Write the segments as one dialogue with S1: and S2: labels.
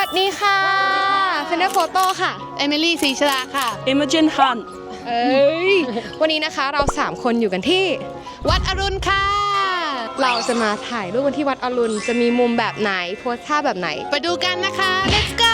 S1: สดีค่ะเฟนเดอร์โฟโต้ค่ะเอมิลี่ศรีชลาค่ะ
S2: Imogen Han
S1: วันนี้นะคะเรา3คนอยู่กันที่วัดอรุณค่ะเราจะมาถ่ายรูปกันที่วัดอรุณจะมีมุมแบบไหนโพสท่าแบบไหนไปดูกันนะคะ let's go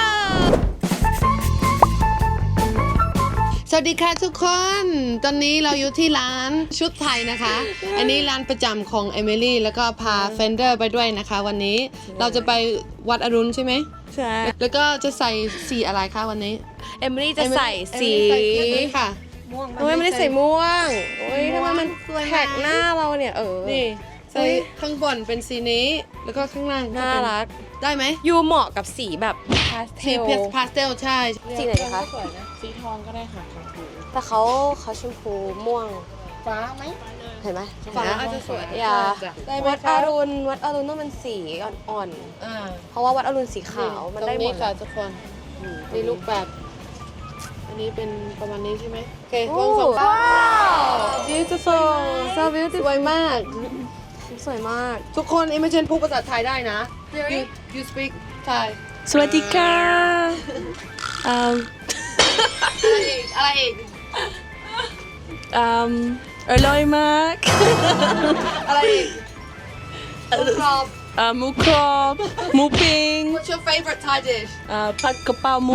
S1: สวัสดีค่ะทุกคนตอนนี้เราอยู่ที่ร้านชุดไทยนะคะ อันนี้ร้านประจำของเอมิลี่แล้วก็พาเฟนเดอร์ไปด้วยนะคะวันนี้เราจะไปวัดอรุณใช่ไหม
S2: ใช่
S1: แล้วก็จะใส่สีอะไรคะวันนี้
S2: เอมิลี่จะใส่สี
S1: ค่ะ
S2: ม่วง
S1: โอ้ยไม่ได้ใส่ม่วงโอ้ยทำไมมันแท็กหน้าเราเนี่ย
S2: นี่
S1: ใส่ข้างบนเป็นสีนี้แล้วก็ข้างล่าง
S2: น่ารัก
S1: ได้ไหม
S2: ยูเหมาะกับสีแบบพาสเท
S1: สี
S2: ล
S1: พาสเทลใช่
S2: สีไหนคะ
S3: สีทองก็ได้ค่ะ
S2: แต่เขาชมพูม่วง
S3: ฟ้าไหม
S2: เห็นไหม
S1: ฟ้าอาจจะสวย
S2: อย่า
S1: ได้ไหม
S2: วัด
S1: คะ
S2: อรุณต้องเป็นสีอ่อน
S1: อ่า
S2: ๆเพราะว่าวัดอรุณสีขาวมันได้หม
S1: ตรงนี้
S2: ด
S1: ค่ะทุกคนมีรูปแบบ อันนี้เป็นประมาณนี้ใช่ไหมโอเควางสอง
S2: ว้าว
S1: beautiful so beautiful สวยมาก
S2: สวยมาก
S1: ทุกคนอิมเมจินพูดภาษาไทยได้นะ you speak Thai
S2: สวัสดีค่ะ
S1: อะไรอีก
S2: อร่อยมาก
S1: อะไรอีกกรอบ
S2: หมูกรอบหมูปิ้ง
S1: What's your favorite Thai dish
S2: ผัดกะเพราหมู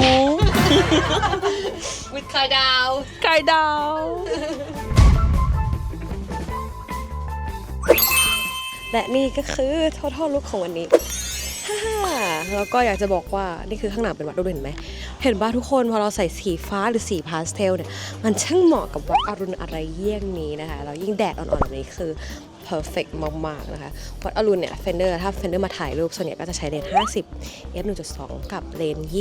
S1: with ไข่ดาว
S2: ไก่ดาว และนี่ก็คือ total look ของวันนี้ ฮ่าแล้วก็อยากจะบอกว่านี่คือข้างหลังเป็นวัดอรุณเห็นไหม เห็นว่าทุกคนพอเราใส่สีฟ้าหรือสีพาสเทลเนี่ยมันช่างเหมาะกับวัดอรุณอะไรเยี่ยงนี้นะคะแล้วยิ่งแดดอ่อนๆแบบนี้คือ perfect มากๆนะคะวัดอรุณเนี่ยเฟนเดอร์ถ้าเฟนเดอร์มาถ่ายรูปส่วนใหญ่ก็จะใช้เลนส์50 f 1.2 กับเลนส์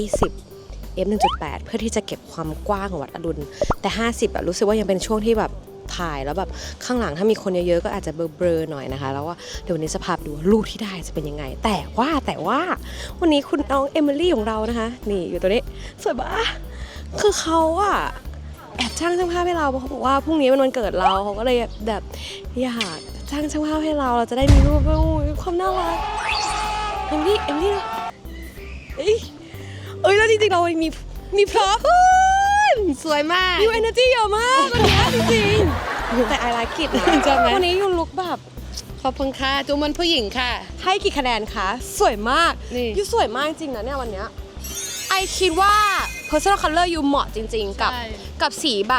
S2: 20 f 1.8 เพื่อที่จะเก็บความกว้างของวัดอรุณแต่50รู้สึกว่ายังเป็นช่วงที่แบบถ่ายแล้วแบบข้างหลังถ้ามีคนเยอะๆก็อาจจะเบลอๆหน่อยนะคะแล้วว่าเดี๋ยววันนี้จะพาไปดูรูปที่ได้จะเป็นยังไงแต่ว่าวันนี้คุณน้องเอมิลี่ของเรานะคะนี่อยู่ตัวนี้สวยปะคือเขาอะแอบจ้างช่างภาพให้เราเพราะเขาบอกว่าพรุ่งนี้เป็นวันเกิดเราเขาก็เลยแบบอยากจ้างช่างภาพให้เราจะได้มีรูปความน่ารักเอมิลี่เอ้ยแล้วจริงๆเรามีพร็อพ
S1: สวยมาก
S2: ยูเอเนอร์จีเยอะมากวันนี้จริงๆแต่ไอรักกิจนะ
S1: ใช่ไหม
S2: วันนี้ยูลุกแบบ
S1: ขอบคุณค่ะจูมันผู้หญิงค่ะ
S2: ให้กี่คะแนนคะสวยมาก
S1: นี่
S2: ยูสวยมากจริงนะเนี่ยวันเนี้ยไอคิดว่า personal color ยูเหมาะจริงๆ กับสีแบบ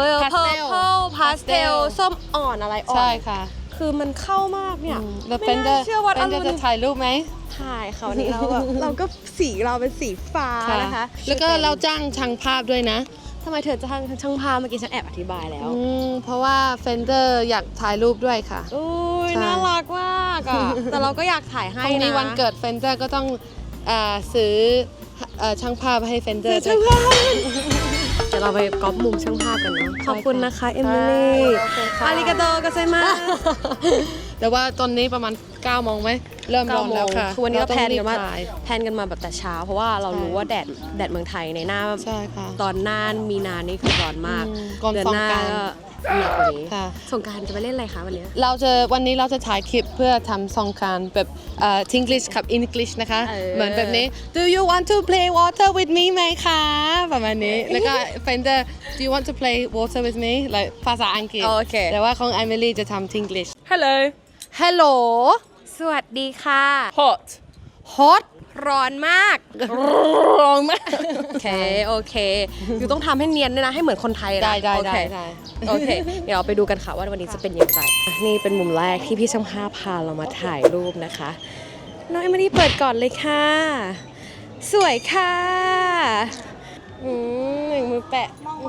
S2: purple pastel ส้มอ่อนอะไรอ่อน
S1: ใช่ค่ะ
S2: คือมันเข้ามากเนี่ย
S1: แล้ว
S2: ไม่
S1: เฟนเดอ
S2: น่า
S1: ร์
S2: เชื่อว่า
S1: เฟนเดอร์จะถ่ายรูปไหม
S2: ถ่ายเขาวนี้เราแบบ เราก็สีเราเป็นสีฟ้านะคะ
S1: แล้วก็เราจ้างช่างภาพด้วยนะ
S2: ทำไมเธอจะช่างภาพเมื่อกี้ฉันแอบอธิบายแล้ว
S1: เพราะว่าเฟนเดอร์อยากถ่ายรูปด้วยค่ะ
S2: อุ้ย
S1: ใช่
S2: น่ารักมากอะแต่เราก็อยากถ่ายให้
S1: พรุ่งนี้
S2: นะ
S1: วันเกิดเฟนเดอร์ก็ต้องซื้อช่างภาพให้เฟนเดอร์
S2: ช่างภาพเดี๋ยวเราไปก๊อปมุมช่างภาพกันเนาะขอบคุณนะคะเอมิลี่อาริกาโตก็ใช่มาก
S1: แต่ว่าตอนนี้ประมาณ9 โมงไหมเริ่มร้อนแล้วค่ะ
S2: คือวันนี้เราแพลนกันมา
S1: ต้องรีบถ่าย
S2: แบบแต่เช้าเพราะว่าเรารู้ว่าแดดเมืองไทยในหน้า
S1: ใช่ค่ะ
S2: ตอนหน้ามีนานี่คือร้อนมาก
S1: ก่อน
S2: เดือน
S1: สง
S2: หน้าก
S1: รานต์
S2: ก็หนักกว่านี้
S1: ค่ะ
S2: สงกรานต์จะไปเล่นอะไรคะวันนี้
S1: วันนี้เราจะถ่ายคลิปเพื่อทำสงกรานต์แบบEnglish กับ English นะคะ เหมือนแบบนี้ Do you want to play water with me ไหมคะประมาณนี้ แล้วก็ Fender Do you want to play water with me like ภาษาอังกฤษ
S2: โอเค
S1: แต่ว่าของ Emily จะทำ English
S2: Hello
S1: Hello
S2: สวัสดีค่ะ
S3: hot
S1: Hot
S2: ร้อนมาก
S1: ร้อนมาก
S2: โอเคอยู่ต้องทำให้เนียนด้วยนะให้เหมือนคนไทยนะ
S1: ได้
S2: โอเค โอเค เดี๋ยวเราไปดูกันค่ะว่าวันนี้จะเป็นอย่างไรนี่เป็นมุมแรกที่พี่ช่างภาพพาเรามาถ่ายรูปนะคะน้องเอมิลี่เปิดก่อนเลยค่ะ สวยค่ะหนึ่งมือแปะ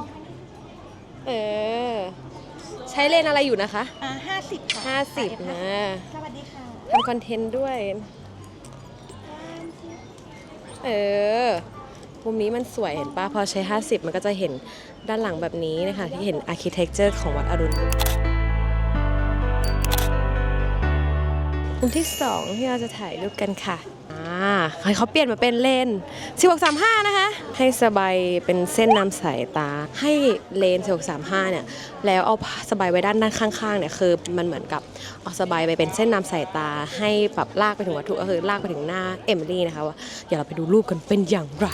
S2: ใช้เลนส์อะไรอยู่นะคะ
S3: 50 ค่ะ
S2: 50 นะ
S3: สวัสดีค่ะ
S2: ทำคอนเทนต์ด้วยมุมนี้มันสวยเห็นป่ะพอใช้ 50 มันก็จะเห็นด้านหลังแบบนี้นะคะที่เห็น architecture ของวัดอรุณมุมที่2ที่เราจะถ่ายรูปกันค่ะให้เขาเปลี่ยนมาเป็นเลน1635นะคะให้สบายเป็นเส้นนำสายตาให้เลน1635เนี่ยแล้วเอาสบายไว้ด้านข้างๆเนี่ยคือมันเหมือนกับเอาสบายไปเป็นเส้นนำสายตาให้แบบลากไปถึงวัตถุก็คือลากไปถึงหน้าเอมิลี่นะคะว่าเดี๋ยวเราไปดูรูปกันเป็นอย่างไร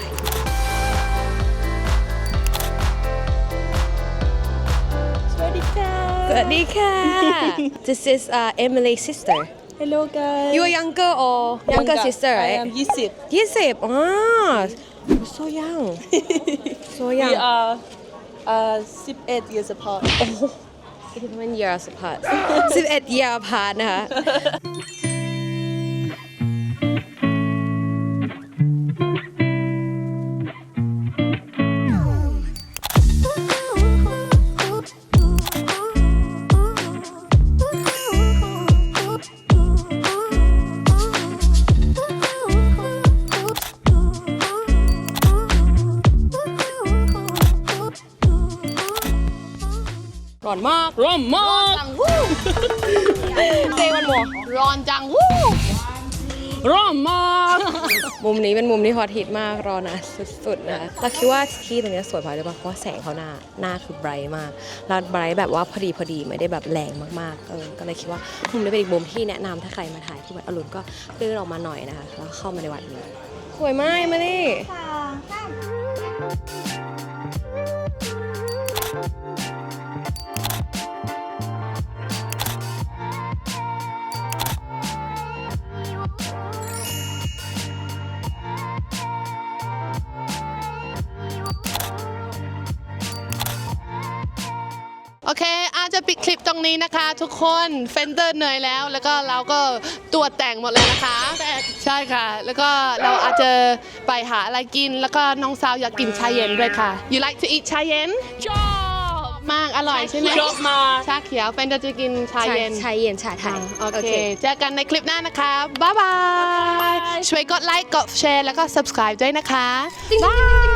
S2: สวัสดีค่ะ This is Emily's sister
S3: Hello guys
S2: You are younger or younger sister
S3: I
S2: right?
S3: am 20
S2: 20อ๋อ so young so
S3: We
S2: young
S3: are 18 years apart
S2: 11 years apart 11 year apart นะคะ ร้อนมาก
S1: ร้อนมาก
S2: เจวันหมอ
S1: ร้อนจังวู้ร้อนมาก
S2: มุมนี้เป็นมุมที่ฮอตฮิตมากรอนะสุดๆนะเราคิดว่าที่ตรงนี้สวยเพราะอะไรบ้างเพราะว่าแสงเขาหน้าคือไบรท์มากแล้วไบรท์แบบว่าพอดีไม่ได้แบบแรงมากๆก็เลยคิดว่ามุมนี้เป็นอีกมุมที่แนะนำถ้าใครมาถ่ายที่วัดอรุณก็เลื่อนออกมาหน่อยนะคะแล้วเข้ามาในวัดนี้สวยมากมาดิ
S1: โอเคอาจจะปิดคลิปตรงนี้นะคะ ทุกคนเฟนเดอร์เหนื่อยแล้วก็เราก็ตัวแต่งหมดเลยนะคะใช่ค่ะ แล้วก็เราอาจจะไปหาอะไรกินแล้วก็น้องสาวอยากกินชาเย็นด้วยค่ะ You like to eat ชาเย็นชอบมากอร่อยใช่ไหม
S3: ชอบมาก
S1: ชาเขียวเฟนเดอร์จะกินชาเย็น
S2: ชาเย็นชาไทย
S1: โอเค เจอกันในคลิปหน้านะคะ บ๊ายบาย ช่วยกดไลค์ กดแชร์ แล้วก็ subscribe ด้วยนะคะ บ๊าย